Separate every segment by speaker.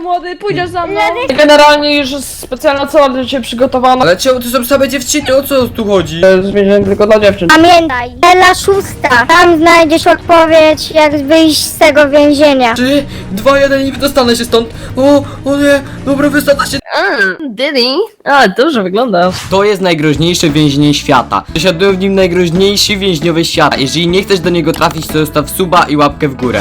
Speaker 1: młody, pójdziesz za mną. Generalnie już jest specjalna cela dla ciebie przygotowana.
Speaker 2: Ale czemu to są same dziewczyny? O co tu chodzi?
Speaker 1: To jest więzienie tylko dla dziewczyn.
Speaker 3: Pamiętaj, cela 6. Tam znajdziesz odpowiedź, jak wyjść z tego więzienia.
Speaker 2: 3, 2, 1 i dostanę się stąd. O nie, dobra, wysadza się.
Speaker 1: Diddy? A, dobrze wygląda.
Speaker 2: To jest najgroźniejsze więzienie świata. Przesiadują w nim najgroźniejsi więźniowie świata. Jeżeli nie chcesz do niego trafić, to zostaw suba i łapkę w górę.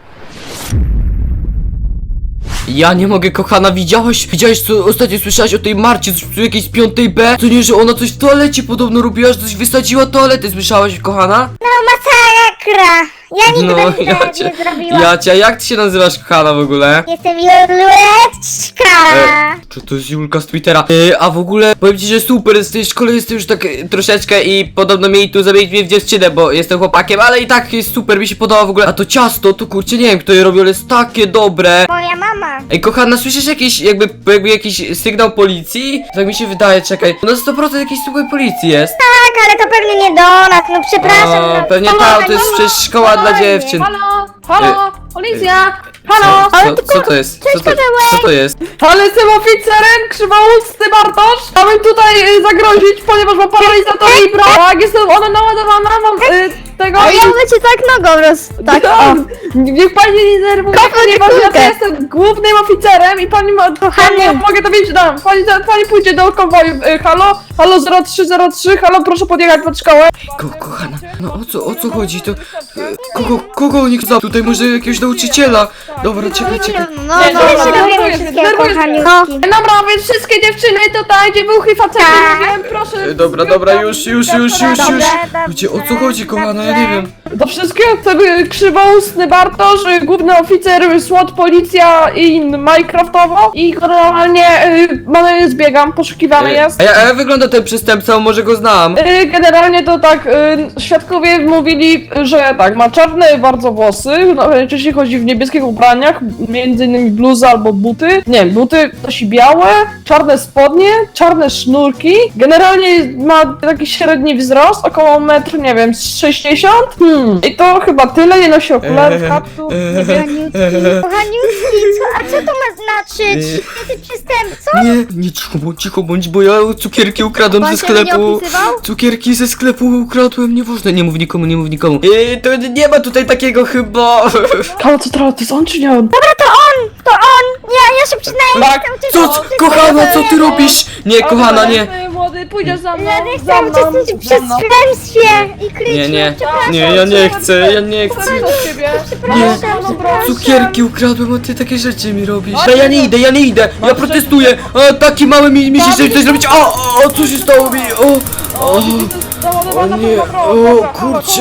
Speaker 2: Ja nie mogę, kochana, widziałaś, co ostatnio słyszałaś o tej Marcie, coś jakiejś z 5B? Co nie, że ona coś w toalecie podobno robiła, że coś wysadziła toaletę, słyszałaś, kochana?
Speaker 3: No masakra! Ja nigdy
Speaker 2: Jacia,
Speaker 3: nie zrobiłam.
Speaker 2: Jacia, jak ty się nazywasz, kochana, w ogóle?
Speaker 3: Jestem Juleczka!
Speaker 2: Czy to jest Julka z Twittera? A w ogóle powiem ci, że super, z tej szkole jestem już tak troszeczkę i podobno mieli tu zamienić mnie w dziewczynę, bo jestem chłopakiem, ale i tak jest super, mi się podoba w ogóle. A to ciasto, to kurczę, nie wiem kto je robi, ale jest takie dobre.
Speaker 3: Moja mama.
Speaker 2: Ej, kochana, słyszysz jakiś, jakby jakiś sygnał policji? Tak mi się wydaje, czekaj. No 100% jakiś sygnał policji jest.
Speaker 3: Tak, ale to pewnie nie do nas, no przepraszam.
Speaker 2: O,
Speaker 3: no,
Speaker 2: pewnie
Speaker 3: spokojnie,
Speaker 2: to jest
Speaker 3: mamo,
Speaker 2: przecież szkoła dla
Speaker 3: spokojnie.
Speaker 2: dziewczyn.
Speaker 1: Halo, policja! Halo!
Speaker 2: Co to jest? Co to jest?
Speaker 1: Ale jestem oficerem, krzywoustny Bartosz! Chciałbym tutaj zagrozić, ponieważ mam paralizator i brak. Tak, jestem ona naładowana, mam tego
Speaker 3: A
Speaker 1: i...
Speaker 3: ja bym cię tak nogą tak,
Speaker 1: Tak, niech pani nie denerwuje, ponieważ ja jestem głównym oficerem i pani ma...
Speaker 3: Kochany.
Speaker 1: Mogę to wiedzieć, dam. Pani pójdzie do konwoju. Halo 0303, halo proszę podjechać pod szkołę.
Speaker 2: Kochana, no o co chodzi? To... Kogo oni chcą? Tutaj może jakiegoś nauczyciela. Dobra, czekaj.
Speaker 3: No,
Speaker 1: Nie,
Speaker 3: no,
Speaker 1: nie,
Speaker 3: my się
Speaker 1: nie,
Speaker 3: dowiemy
Speaker 1: nie,
Speaker 3: wszystkiego,
Speaker 1: nie,
Speaker 3: kochaniutki.
Speaker 1: Dobra, więc wszystkie dziewczyny tutaj, dziewuchy, facety,
Speaker 3: Tak.
Speaker 1: mówiłem, proszę.
Speaker 2: Dobra, już.
Speaker 3: Dobrze,
Speaker 2: Wiecie, o co chodzi, kochana? Ja nie wiem.
Speaker 1: Do wszystkiego tego krzywoustny Bartosz, główny oficer, SWAT, policja i Minecraftowo. I generalnie zbiegam, poszukiwany jest.
Speaker 2: A jak wygląda ten przestępca? Może go znam?
Speaker 1: Generalnie to tak, świadkowie mówili, że tak, ma czarne bardzo włosy, no, najczęściej chodzi w niebieskich ubraniach, między innymi bluzy albo buty. Nie, buty nosi białe, czarne spodnie, czarne sznurki. Generalnie ma taki średni wzrost, około metr, nie wiem, z 60. I to chyba tyle, nie nosi okularów, kaptur, nie wiem.
Speaker 3: Kochaniutki, a co to ma znaczyć? Jesteś przestępcą?
Speaker 2: Nie, cicho bądź, bo ja cukierki ukradłem
Speaker 3: Pan
Speaker 2: ze
Speaker 3: się nie
Speaker 2: sklepu.
Speaker 3: opisywał?
Speaker 2: Cukierki ze sklepu ukradłem, nie można, nie mów nikomu. To nie ma tutaj takiego chyba.
Speaker 1: Halo, co to jest on czy nie on?
Speaker 3: To on! Ja się przyznaję,
Speaker 1: Tak.
Speaker 3: jestem
Speaker 2: Co, kochana, co ty robisz? Nie, kochana, nie.
Speaker 1: Młody, pójdziesz za mną,
Speaker 3: Ja nie
Speaker 1: za
Speaker 3: chcę
Speaker 1: mną,
Speaker 3: uczestniczyć w
Speaker 1: za mną.
Speaker 3: przestępstwie i kryciu.
Speaker 2: Nie, ja nie chcę.
Speaker 1: Proszę ciebie.
Speaker 2: Nie,
Speaker 1: Przepraszam, proszę.
Speaker 2: cukierki ukradłem, a ty takie rzeczy mi robisz. Ja nie idę, ja protestuję. Taki mały mi się chce coś zrobić. O, co się stało mi? O nie, kurczę.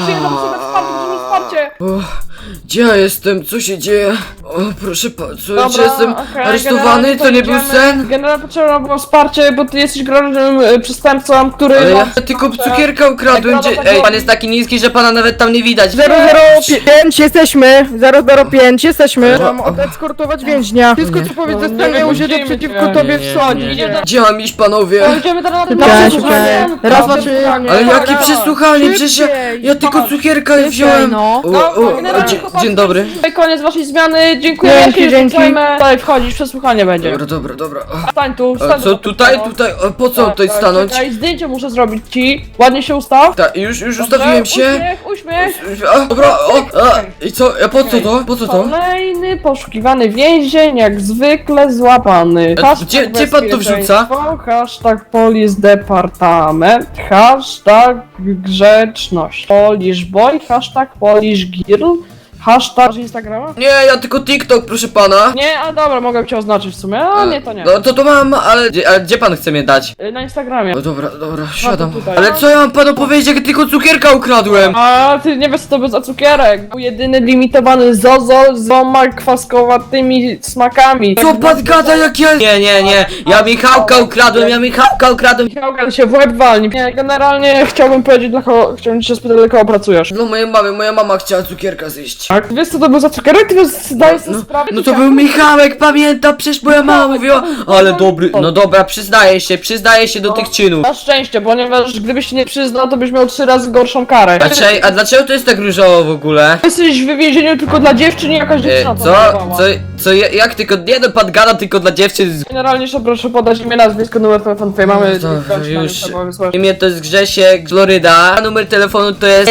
Speaker 2: Gdzie ja jestem? Co się dzieje? O, proszę co, czy jestem aresztowany? To nie był sen?
Speaker 1: Generalnie potrzebne było wsparcie, bo ty jesteś groźnym przestępcą, który...
Speaker 2: Ale ja tylko cukierka ukradłem. Ej, pan jest taki niski, że pana nawet tam nie widać.
Speaker 4: 005 jesteśmy! 005 jesteśmy! Mam
Speaker 2: O.
Speaker 4: odeskortować więźnia. Wszystko co powiedz zostanie użyte przeciwko tobie w sądzie.
Speaker 2: Gdzie mam iść, panowie?
Speaker 1: Idziemy teraz na
Speaker 4: Szybciej,
Speaker 1: przesłuchanie.
Speaker 4: szybciej. Raz, dwa, trzy.
Speaker 2: Ale jakie przesłuchanie? Przecież ja tylko cukierka wziąłem.
Speaker 4: no.
Speaker 2: Dzień dobry.
Speaker 1: Koniec waszej zmiany, dziękuję.
Speaker 4: Dzięki.
Speaker 1: Tutaj wchodzisz, przesłuchanie będzie.
Speaker 2: Dobra.
Speaker 1: Stań tu,
Speaker 2: A
Speaker 1: stań
Speaker 2: co
Speaker 1: tu.
Speaker 2: tutaj? Po co tutaj stanąć?
Speaker 1: Czekaj, zdjęcie muszę zrobić ci. Ładnie się ustaw.
Speaker 2: Tak, już
Speaker 1: Dobrze,
Speaker 2: ustawiłem się.
Speaker 1: Uśmiech.
Speaker 2: Dobra, i co? Po co to? Po co to?
Speaker 1: Kolejny poszukiwany więzień, jak zwykle złapany.
Speaker 2: Gdzie pan to wrzuca?
Speaker 1: Hashtag Police Departament, hashtag grzeczność, Polish Boy, hashtag Polish Girl, hashtag Instagrama?
Speaker 2: Nie, ja tylko TikTok, proszę pana.
Speaker 1: Nie, a dobra, mogę cię oznaczyć w sumie, a nie, to nie.
Speaker 2: No to mam, ale gdzie pan chce mnie dać?
Speaker 1: Na Instagramie.
Speaker 2: No dobra, siadam.
Speaker 1: tutaj.
Speaker 2: Ale co ja mam panu powiedzieć, jak tylko cukierka ukradłem?
Speaker 1: A ty nie wiesz co to był za cukierek. Był jedyny limitowany Zozol z 2 kwaskowatymi smakami.
Speaker 2: Co pan gada, jak ja... Nie, ja Michałka ukradłem.
Speaker 1: Michałka się w łeb walni. Nie, generalnie chciałbym powiedzieć, chciałbym cię spytać, dla kogo pracujesz.
Speaker 2: No mojej mamy, moja mama chciała cukierka zjeść.
Speaker 1: Tak? Wiesz co to był za cukierek? Ty zdajesz sobie sprawę?
Speaker 2: No to był Michałek, pamiętam, przecież moja mama mówiła, ale dobry, no dobra, przyznaję się do tych czynów.
Speaker 1: Na szczęście, ponieważ gdybyś się nie przyznał, to byś miał 3 razy gorszą karę.
Speaker 2: A dlaczego to jest tak różowo w ogóle?
Speaker 1: Jesteś w więzieniu tylko dla dziewczyn i jakaś dziewczyna to dawała.
Speaker 2: Jak tylko, nie no, pan gada tylko dla dziewczyn.
Speaker 1: Generalnie jeszcze proszę podać imię, nazwisko, numer telefonu twojej mamy.
Speaker 2: Dobra,
Speaker 1: i
Speaker 2: już.
Speaker 1: trzeba wysłać.
Speaker 2: Imię to jest Grzesiek, Floryda, a numer telefonu to jest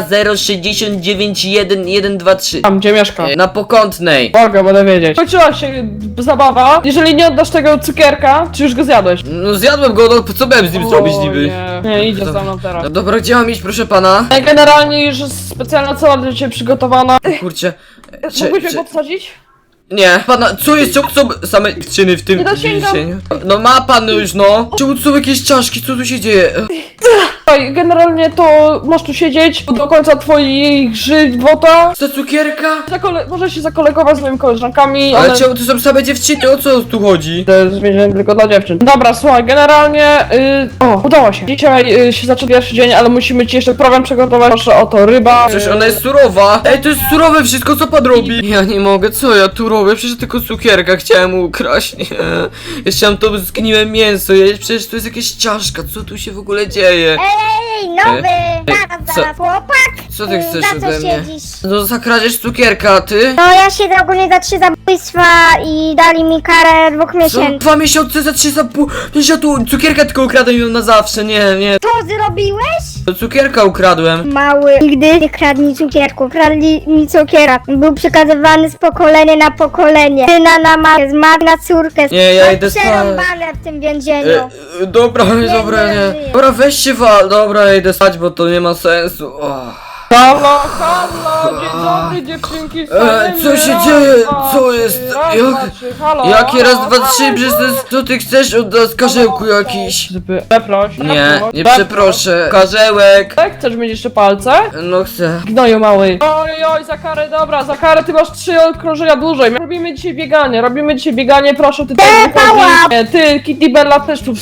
Speaker 2: 420691123.
Speaker 1: Tam, gdzie mieszka.
Speaker 2: Na Pokątnej.
Speaker 1: Mogę, będę wiedzieć. Kończyła się zabawa. Jeżeli nie oddasz tego cukierka, czy już go zjadłeś?
Speaker 2: No zjadłem go, no co miałem z nim zrobić
Speaker 1: O,
Speaker 2: niby?
Speaker 1: Nie, idzie za mną teraz.
Speaker 2: No dobra, gdzie mam iść, proszę pana?
Speaker 1: Generalnie już jest specjalna cela dla ciebie przygotowana.
Speaker 2: Kurczę.
Speaker 1: Mógłbyś mnie podsadzić?
Speaker 2: Nie, pana, co jest, co są same czyny w tym
Speaker 1: Nie dosięgam.
Speaker 2: więzieniu? No ma pan już, no. Czemu tu są jakieś czaszki, co tu się dzieje?
Speaker 1: Słuchaj, generalnie to masz tu siedzieć do końca twoich żywota.
Speaker 2: Za cukierka?
Speaker 1: Możesz się zakolegować z moimi koleżankami,
Speaker 2: Ale
Speaker 1: one...
Speaker 2: czemu to są same dziewczyny, o co tu chodzi?
Speaker 1: To jest więzienie tylko dla dziewczyn. Dobra, słuchaj, generalnie... udało się. Dzisiaj się zaczął pierwszy dzień, ale musimy ci jeszcze program przygotować. Proszę o to, ryba.
Speaker 2: Przecież ona jest surowa. Ej, to jest surowe wszystko, co pan robi. Ja nie mogę, co ja tu robię? Przecież tylko cukierka chciałem ukraść, nie. Ja chciałem to zgniłe mięso jeść, przecież to jest jakieś ciaszka, co tu się w ogóle dzieje?
Speaker 3: Ej, nowy!
Speaker 2: co-
Speaker 3: Zaraz, chłopak!
Speaker 2: Co ty chcesz
Speaker 3: Za co
Speaker 2: ode mnie?
Speaker 3: siedzisz?
Speaker 2: No za kradzież cukierka, a ty?
Speaker 3: No ja siedzę ogólnie za 3 zabójstwa i dali mi karę 2
Speaker 2: Co?
Speaker 3: miesięcy.
Speaker 2: 2 miesiące za 3 za pół. Przecież ja tu cukierka tylko ukradłem ją na zawsze, nie.
Speaker 3: To zrobiłeś?
Speaker 2: To cukierka ukradłem.
Speaker 3: Mały, nigdy nie kradnij cukierku. Kradli mi cukiera. Był przekazywany z pokolenia na pokolenie. Syna na matkę, z matki na córkę.
Speaker 2: Nie, ja
Speaker 3: Mam
Speaker 2: idę spać.
Speaker 3: przerąbane w tym więzieniu.
Speaker 2: Dobra,
Speaker 3: Nie
Speaker 2: nie.
Speaker 3: żyję.
Speaker 2: Dobra, weź się wal. Dobra, ja idę spać, bo to nie ma sensu. Oh.
Speaker 1: Halo, halo, dzień dobry dziewczynki.
Speaker 2: co się dzieje? Co jest? Jakie raz, dwa, trzy, przez to jest... Co ty chcesz od nas, karzełku jakiś?
Speaker 1: Przeproś.
Speaker 2: Nie przeproszę. Karzełek.
Speaker 1: Tak, chcesz mieć jeszcze palce?
Speaker 2: No chcę.
Speaker 1: Gnoju mały. Oj, za karę, dobra, za karę ty masz 3 okrążenia dłużej. Robimy dzisiaj bieganie, proszę ty nie, ty, Kitty Bella też tu.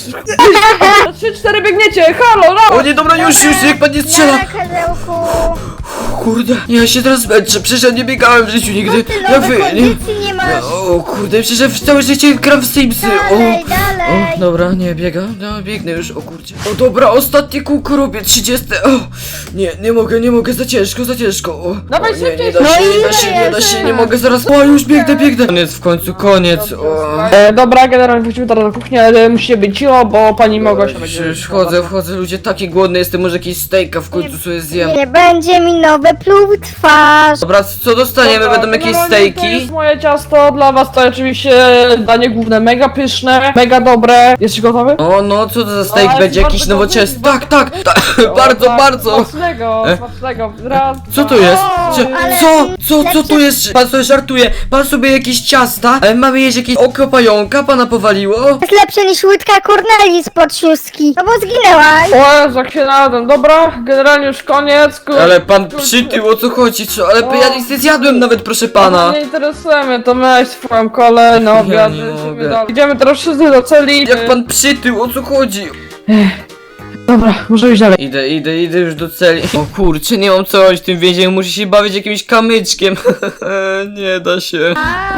Speaker 1: 3-4 biegniecie, halo, no!
Speaker 2: O nie, dobra, już, niech pan nie strzela.
Speaker 3: Na karzełku.
Speaker 2: Kurde, ja się teraz męczę, przecież ja nie biegałem w życiu nigdy.
Speaker 3: Ty
Speaker 2: Ja
Speaker 3: nowe kondycji nie masz.
Speaker 2: O kurde, przecież ja w całe życie gram w Simsy.
Speaker 3: Dalej,
Speaker 2: O,
Speaker 3: dalej.
Speaker 2: dobra, nie biegam, no biegnę już, o kurczę. O dobra, ostatnie kółko robię, 30. O, nie mogę, za ciężko. O,
Speaker 1: Dawaj
Speaker 2: o, nie,
Speaker 1: szybciej,
Speaker 2: nie da się,
Speaker 3: szybciej.
Speaker 2: nie da się, nie mogę zaraz. O, już biegnę. Koniec, w końcu, koniec. O.
Speaker 1: Dobra, generalnie wrócimy teraz do kuchni, ale musicie być cicho, bo pani mogła się
Speaker 2: Już wchodzę, ludzie, taki głodny jestem, może jakiś steaka w końcu sobie zjem.
Speaker 3: Nie będzie mi nowe pluł w twarz.
Speaker 2: Dobra, co dostaniemy? Będą jakieś
Speaker 1: generalnie To
Speaker 2: stejki?
Speaker 1: jest moje ciasto, dla was to oczywiście danie główne, mega pyszne, mega dobre. Jesteś gotowy?
Speaker 2: O, no, co to za steak
Speaker 1: Ale
Speaker 2: będzie?
Speaker 1: bardzo
Speaker 2: Jakiś
Speaker 1: dobry,
Speaker 2: nowoczesny?
Speaker 1: bardzo
Speaker 2: Tak, bardzo.
Speaker 1: Smacznego. Raz,
Speaker 2: Co to
Speaker 1: dwa.
Speaker 2: jest?
Speaker 3: ale
Speaker 2: Co tu jest? Pan sobie żartuje. Pan sobie jakieś ciasta, ale mamy jeść jakieś oko pająka, pana powaliło?
Speaker 3: Jest lepsze niż łydka Corneli spod szóstki. No bo zginęłaś.
Speaker 1: O Jezu, jak się nadam. Dobra, generalnie już koniec.
Speaker 2: Ale pan przytył, o co chodzi? Co? Ale ja nic nie zjadłem nawet, proszę pana.
Speaker 1: Nie interesuje mnie, to miałeś swoją kolej na obiad.
Speaker 2: nie
Speaker 1: lecimy
Speaker 2: mogę.
Speaker 1: dalej. Idziemy teraz wszyscy do celi.
Speaker 2: Jak pan przytył, o co chodzi?
Speaker 1: Dobra, może iść dalej.
Speaker 2: Idę już do celi. O kurczę, nie mam co robić w tym więzieniu, muszę się bawić jakimś kamyczkiem. Nie da się.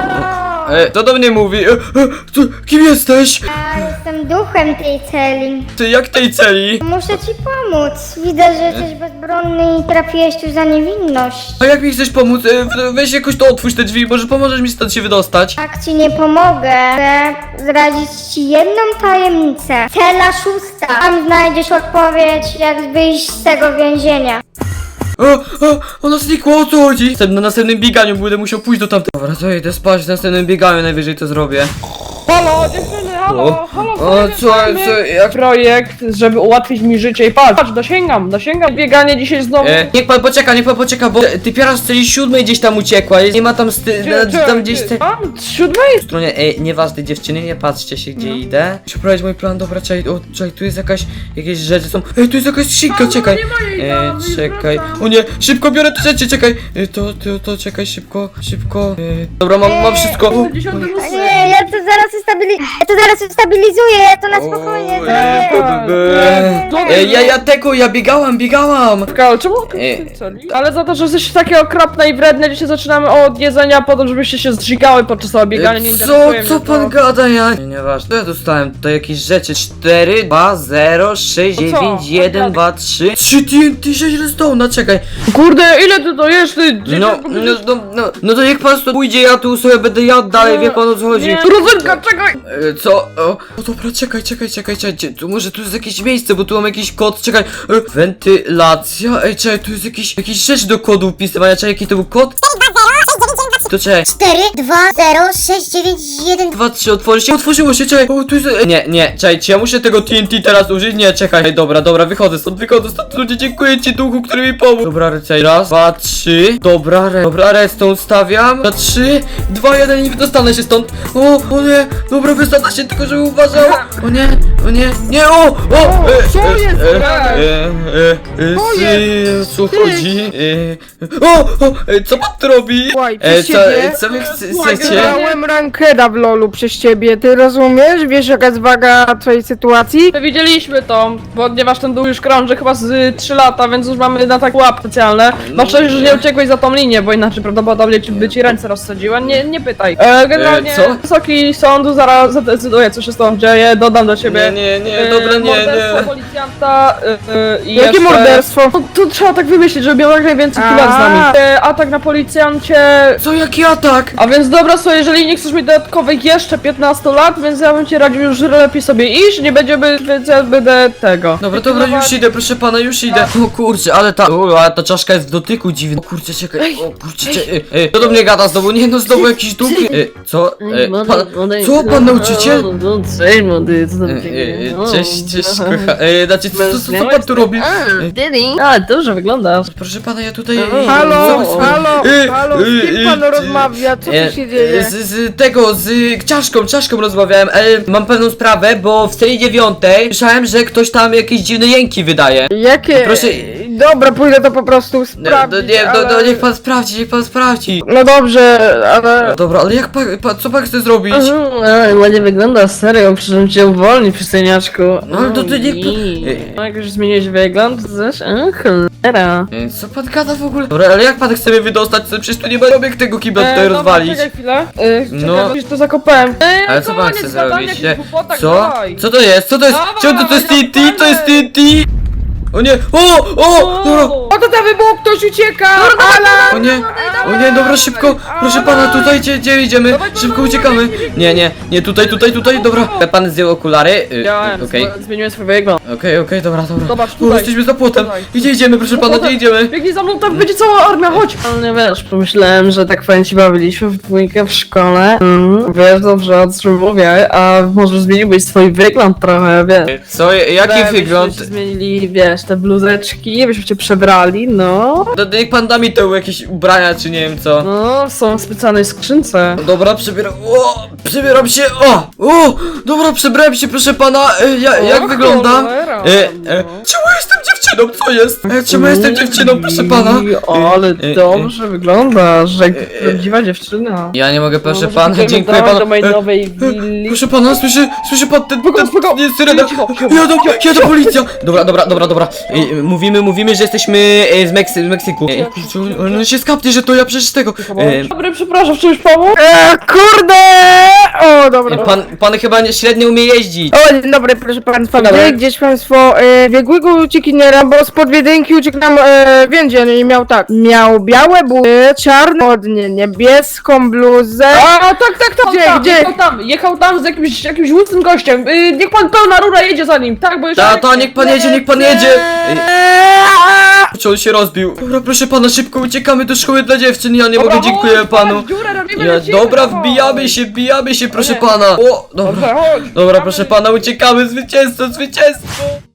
Speaker 2: Co do mnie mówi? Kim jesteś?
Speaker 3: Ja jestem duchem tej celi.
Speaker 2: Ty, jak tej celi?
Speaker 3: Muszę ci pomóc. Widzę, że jesteś bezbronny i trafiłeś tu za niewinność.
Speaker 2: A jak mi chcesz pomóc? Weź jakoś to otwórz te drzwi, może pomożesz mi stąd się wydostać?
Speaker 3: Tak ci nie pomogę. Chcę zdradzić ci jedną tajemnicę. Cela 6. Tam znajdziesz odpowiedź, jak wyjść z tego więzienia.
Speaker 2: Ona znikła, o co chodzi? Na następnym bieganiu będę musiał pójść do tamtego. Dobra, to idę spać, w następnym bieganiu najwyżej to zrobię.
Speaker 1: Halo, dziewczyny, halo,
Speaker 2: Jak?
Speaker 1: projekt, żeby ułatwić mi życie i patrz, dosięgam, bieganie dzisiaj znowu.
Speaker 2: Niech pan poczeka, bo typiara z celi 7 gdzieś tam uciekła, nie ma tam tam gdzieś te...
Speaker 1: Tam, z 7?
Speaker 2: W stronie, nieważne dziewczyny, nie patrzcie się gdzie idę. Muszę prowadzić mój plan, dobra, czekaj, tu jest jakieś rzeczy są. Tu jest jakaś skrzynka, czekaj. Czekaj, o nie, szybko biorę te rzeczy, czekaj. To czekaj, szybko. Dobra, mam wszystko.
Speaker 3: Nie, ja to zaraz nas ustabilizuje, to na spokojnie zrobię.
Speaker 2: Ja biegałam.
Speaker 1: Ale czemu Ale za to, że jesteś takie okropne i wredne, dzisiaj zaczynamy od jedzenia po to, żebyście się zżygały podczas tego biegania. Nie interesuje mnie
Speaker 2: Co
Speaker 1: to.
Speaker 2: pan gada, ja? Nieważne, ja dostałem tutaj jakieś rzeczy. 4, 2, 0, 6,
Speaker 1: To co?
Speaker 2: 9, 1, 2, 3. 3 TNT, 6 redstone, czekaj.
Speaker 1: Kurde, ile ty to jesz, ty?
Speaker 2: No to niech pan stąd pójdzie, ja tu sobie będę jadł dalej, wie pan o co chodzi.
Speaker 1: Nie. Rozynka, czekaj!
Speaker 2: Co? O dobra, czekaj, tu może tu jest jakieś miejsce, bo tu mam jakiś kod, czekaj. Wentylacja, czekaj, tu jest jakiś rzecz do kodu wpisywania, czekaj, jaki to był kod? To czekaj.
Speaker 3: 4, 2, 0, 6, 9, 1.
Speaker 2: 2, 3, otworzyło się, czekaj. O, tu jest... Nie, czekaj, czy ja muszę tego TNT teraz użyć? Nie, czekaj. Dobra, wychodzę stąd, ludzie, dziękuję ci, duchu, który mi pomógł. Dobra, czekaj, raz, 2, 3. Dobra, redstone stawiam. 3, 2, 1 i dostanę się stąd. O nie, dobra, wystanę się, tylko żeby uważał. O nie,
Speaker 4: Co jest?
Speaker 2: co chodzi? Co pan tu robi?
Speaker 4: Słuchaj, przez ciebie.
Speaker 2: Co wy chcecie?
Speaker 4: Wygrałem rankeda w LoLu przez ciebie, ty rozumiesz? Wiesz jaka jest waga twojej sytuacji?
Speaker 1: My widzieliśmy to, ponieważ ten dół już krąży chyba z 3 lata, więc już mamy na tak łap specjalne. Masz szczęście, że nie uciekłeś za tą linię, bo inaczej prawdopodobnie by ci ręce rozsadziła. Nie pytaj. Generalnie
Speaker 2: co?
Speaker 1: Wysoki sąd zaraz zadecyduje, co się z tą dzieje, dodam do ciebie.
Speaker 2: Dobra,
Speaker 1: Morderstwo policjanta i
Speaker 4: Jakie
Speaker 1: jeszcze...
Speaker 4: morderstwo?
Speaker 1: No, to trzeba tak wymyślić, żeby miał jak najwięcej chwilę z nami. Atak na policjancie.
Speaker 2: Co, jaki atak?
Speaker 1: A więc dobra, słuchaj, jeżeli nie chcesz mieć dodatkowych jeszcze 15 lat, więc ja bym ci radził już lepiej sobie iść, nie będziemy, więc ja będę tego.
Speaker 2: Dobra, już idę, proszę pana, już idę. O kurczę, ale ta czaszka jest w dotyku dziwna. O kurczę, czekaj, kto do mnie gada znowu? Nie no, znowu jakiś duch. Co? Co, pan nauczyciel?
Speaker 1: Cześć, młody, co tam
Speaker 2: Cześć, kocha. Znaczy, co pan tu robi?
Speaker 1: A, dobrze wyglądasz.
Speaker 2: Proszę pana, ja tutaj...
Speaker 4: Halo,
Speaker 2: co-
Speaker 4: z kim pan rozmawia? Co tu się dzieje?
Speaker 2: Z czaszką rozmawiałem, ale mam pewną sprawę, bo w serii 9 słyszałem, że ktoś tam jakieś dziwne jęki wydaje.
Speaker 4: Jakie?
Speaker 2: Proszę-
Speaker 4: Dobra, pójdę to po prostu sprawdzić, ale...
Speaker 2: Niech pan sprawdzi.
Speaker 4: No dobrze, ale...
Speaker 2: Dobra, ale jak co pan chce zrobić?
Speaker 1: Ładnie wyglądasz, serio, przyszedłem cię uwolnić, przystojniaczku.
Speaker 2: No, ale to niech
Speaker 1: No, jak już zmieniłeś wygląd, to też, cholera.
Speaker 2: Co pan gada w ogóle? Dobra, ale jak pan chce mnie wydostać? Przecież tu nie ma robiek tego kibla tutaj
Speaker 1: Dobra,
Speaker 2: rozwalić.
Speaker 1: czekaj chwilę.
Speaker 2: No.
Speaker 1: Czekaj, już to zakopałem.
Speaker 2: Ale co pan
Speaker 1: koniec
Speaker 2: chce
Speaker 1: gadania,
Speaker 2: zrobić?
Speaker 1: jakichś głupotach,
Speaker 2: Co?
Speaker 1: dawaj.
Speaker 2: Co to jest?
Speaker 1: Dawaj,
Speaker 2: Czemu to jest TNT?
Speaker 1: dawaj.
Speaker 2: To jest TNT! O nie! Dobra!
Speaker 4: O, to tam wybuch, ktoś ucieka!
Speaker 2: O nie, dobra, szybko! Proszę pana, tutaj gdzie idziemy? Szybko uciekamy! Nie, tutaj, dobra. Pan zdjął okulary? Okej.
Speaker 1: Zmieniłem swój wygląd.
Speaker 2: Okej, dobra.
Speaker 1: Zobacz,
Speaker 2: O,
Speaker 1: tutaj.
Speaker 2: jesteśmy za płotem!
Speaker 1: Tutaj.
Speaker 2: Gdzie idziemy, proszę pana, gdzie idziemy?
Speaker 1: Biegnij za mną, tam będzie cała armia, chodź! Ale nie wiesz, pomyślałem, że tak fajnie się bawiliśmy w dwójkę w szkole. Wiesz dobrze, o czym mówię, a może zmieniłbyś swój wygląd trochę, wiesz.
Speaker 2: Co? Jaki
Speaker 1: Byśmy
Speaker 2: wygląd?
Speaker 1: się zmienili, wiesz, te bluzeczki, byśmy cię przebrali, no.
Speaker 2: Niech pan da mi to jakieś ubrania, czy nie wiem co.
Speaker 1: No, są w specjalnej skrzynce.
Speaker 2: Dobra, przebieram się, dobra, przebrałem się, proszę pana, jak wyglądam?
Speaker 1: Cholera,
Speaker 2: Czemu jestem dziewczyną, co jest? Czemu jestem dziewczyną, proszę pana?
Speaker 1: Ale dobrze wyglądasz, jak prawdziwa dziewczyna.
Speaker 2: Ja nie mogę, proszę
Speaker 1: Może
Speaker 2: pana,
Speaker 1: pójdziemy
Speaker 2: dziękuję
Speaker 1: dalej
Speaker 2: panu.
Speaker 1: do mojej nowej willi.
Speaker 2: Proszę pana, słyszy pan ten
Speaker 1: Spoko.
Speaker 2: nie, syrena.
Speaker 1: Cicho.
Speaker 2: Jadą policja. Dobra. Mówimy, że jesteśmy z Meksyku. Kurczę, on się skapnie, że to ja przecież tego.
Speaker 1: Dobry, przepraszam, w czymś pomóc?
Speaker 4: Kurde! O, dobra.
Speaker 2: Pan chyba średnio umie jeździć.
Speaker 4: O, dzień dobry, proszę państwa.
Speaker 1: Dobry.
Speaker 4: Gdzieś państwo biegłego uciekiniera, bo spod Wiedynki uciekł nam więzień i miał tak. Miał białe buty, czarne spodnie, niebieską bluzę.
Speaker 1: A, tak,
Speaker 4: Gdzie?
Speaker 1: Jechał tam z jakimś łysym gościem. Niech pan pełna rura jedzie za nim, tak, bo jeszcze...
Speaker 2: Niech pan jedzie. Kurczę, on się rozbił. Dobra, proszę pana, szybko uciekamy do szkoły dla dziewczyn. Ja nie mogę, dziękuję panu. Dobra, wbijamy się, proszę pana. O, dobra.
Speaker 1: Dobrze, chodź.
Speaker 2: Dobra, proszę pana, uciekamy, zwycięstwo.